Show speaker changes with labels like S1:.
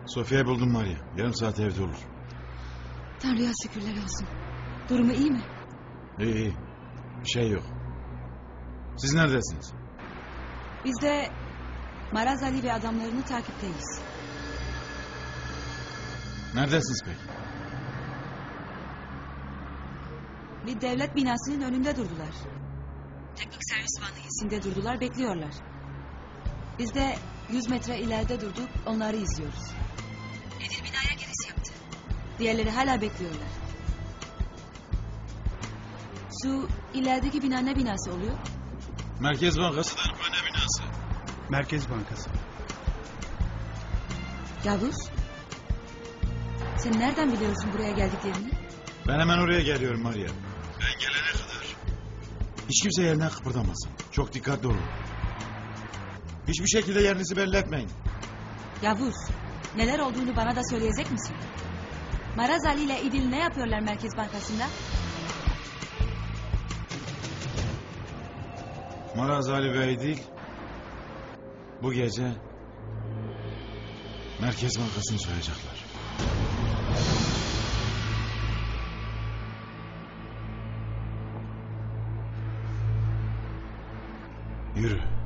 S1: Sofya'yı buldum Maria. Yarım saat evde olur.
S2: Tanrı'ya şükürler olsun. Durumu iyi mi?
S1: İyi iyi. Bir şey yok. Siz neredesiniz?
S2: Biz de Maraz Ali ve adamlarını takipteyiz.
S1: Neredesiniz peki?
S2: Bir devlet binasının önünde durdular. Teknik servis vanı izinde durdular, bekliyorlar. Biz de 100 metre ileride durduk, onları izliyoruz. Edil binaya giriş yaptı. Diğerleri hala bekliyorlar. Şu ilerideki bina ne binası oluyor?
S1: Merkez Bankası da ne binası?
S3: Merkez Bankası.
S2: Yavuz, sen nereden biliyorsun buraya geldiklerini?
S1: Ben hemen oraya geliyorum Maria. Ben gelene kadar hiç kimse yerinden kıpırdamasın. Çok dikkatli olun. Hiçbir şekilde yerinizi belli etmeyin.
S2: Yavuz, neler olduğunu bana da söyleyecek misin? Maraz Ali ile İdil ne yapıyorlar Merkez Bankası'nda?
S1: Maraz Ali Bey değil. Bu gece Merkez Bankası'nı soyacaklar. Yürü.